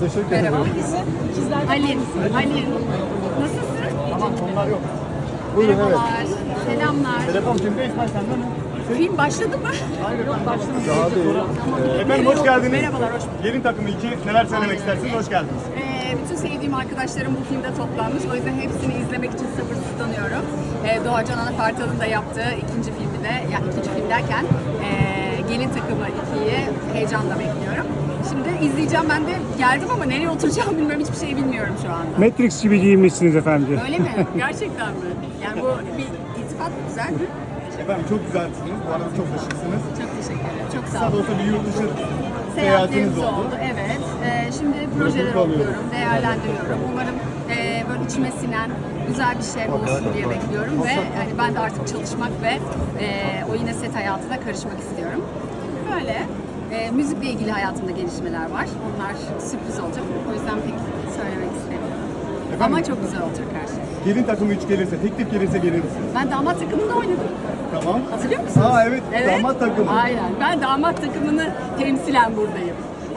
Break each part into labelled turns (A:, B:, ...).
A: Teşekkür ederim.
B: Merhaba. Ali. Nasılsın?
A: Tamam, onlar yok. Buyurun, evet.
B: Merhabalar. Selamlar.
A: Telefon kimde? İsmail sende mi?
B: Film başladı mı?
A: Hayır, başlamadı. Daha değil. Efendim hoş geldiniz.
B: Merhabalar, hoş bulduk.
A: Gelin takımı 2. Neler söylemek istersiniz? Hoş geldiniz.
B: Bütün sevdiğim arkadaşlarım bu filmde toplanmış. O yüzden hepsini izlemek için sabırsızlanıyorum. Doğacan Anafartal'ın da yaptığı ikinci filmi de, yani ikinci film derken Gelin Takımı 2'yi heyecanla bekliyorum. Şimdi izleyeceğim, ben de geldim ama nereye oturacağımı bilmiyorum, hiçbir şey bilmiyorum şu anda.
C: Matrix gibi giyinmişsiniz efendim.
B: Öyle mi? Gerçekten mi? Yani bu bir iltifat mı? Güzel mi?
A: Efendim çok güzelsiniz. Bu arada çok da şıksınız.
B: Çok teşekkür ederim. Çok sağ
A: Kısa da
B: olun.
A: olsa bir yurt dışı seyahatiniz
B: Seyahatlerimiz
A: oldu.
B: oldu. Evet. Şimdi projeleri okuyorum, değerlendiriyorum. Umarım böyle içime sinen güzel bir şey olsun diye bekliyorum ve yani ben de artık çalışmak ve o yine set hayatına karışmak istiyorum. Böyle. Müzikle ilgili hayatımda gelişmeler var. Onlar sürpriz olacak. O yüzden pek söylemek istemiyorum. Ama çok güzel olacak her şey.
A: Gelin takımı 3 gelirse, teklif gelirse gelir misiniz?
B: Ben damat takımında oynadım.
A: Tamam.
B: Hatırlıyor musunuz?
A: Aa evet, damat takımı.
B: Aynen. Ben damat takımını temsilen buradayım.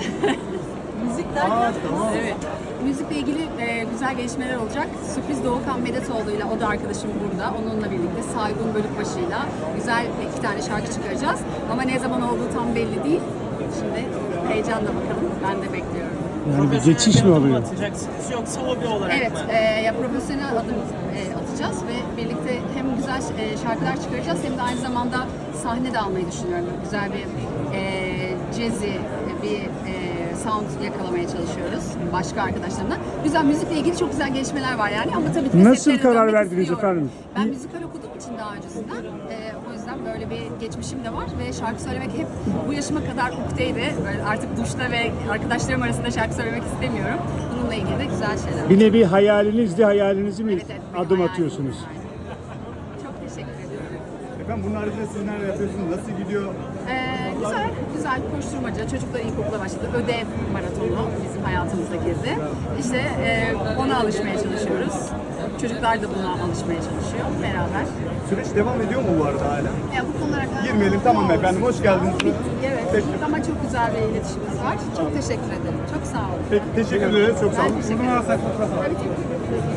B: Müzik derken?
A: Tamam.
B: Evet. Müzikle ilgili güzel gelişmeler olacak. Sürpriz Doğukan Medetoğlu'yla, o da arkadaşım burada. Onunla birlikte Saygun Bölükbaşı'yla güzel 2 tane şarkı çıkaracağız. Ama ne zaman olduğu tam belli değil. Şimdi heyecanla bakalım. Ben de bekliyorum.
C: Yani bir geçiş mi oluyor?
D: Atacaksınız yoksa hobi olarak
B: Evet,
D: mı?
B: ya profesyonel adım atacağız ve birlikte hem güzel şarkılar çıkaracağız hem de aynı zamanda sahne de almayı düşünüyorum. Güzel bir jazzy bir sound yakalamaya çalışıyoruz başka arkadaşlarımla. Güzel, müzikle ilgili çok güzel gelişmeler var yani, ama tabii ki de
C: Nasıl
B: setlere
C: karar
B: dönmek
C: verdiniz
B: istiyorum.
C: efendim?
B: Ben müzikal okuduğum için daha öncesinden, o yüzden böyle bir geçmişim de var ve şarkı söylemek hep bu yaşıma kadar ukteydi. Böyle artık duşta ve arkadaşlarım arasında şarkı söylemek istemiyorum. Bununla ilgili de güzel şeyler.
C: Bir nevi hayalinizi mi
B: Evet, benim
C: adım
B: hayalim.
C: atıyorsunuz?
B: Çok teşekkür ediyorum.
A: Efendim bunun haricinde siz neler yapıyorsunuz? Nasıl gidiyor?
B: Güzel koşturmaca. Çocuklar ilkokula başladı. Ödev maratonu bizim hayatımıza girdi. İşte ona alışmaya çalışıyoruz. Çocuklar da buna alışmaya çalışıyor beraber.
A: Süreç devam ediyor mu bu arada hala?
B: Ya bu konulara kadar...
A: Girmeyelim, tamam efendim. Hoş geldiniz.
B: Evet.
A: Peki.
B: Ama çok güzel bir iletişimimiz var. Çok teşekkür ederim. Çok sağ olun.
A: Peki teşekkür ederiz. Çok sağ olun.
B: Ben teşekkür ederim. Tabii ki.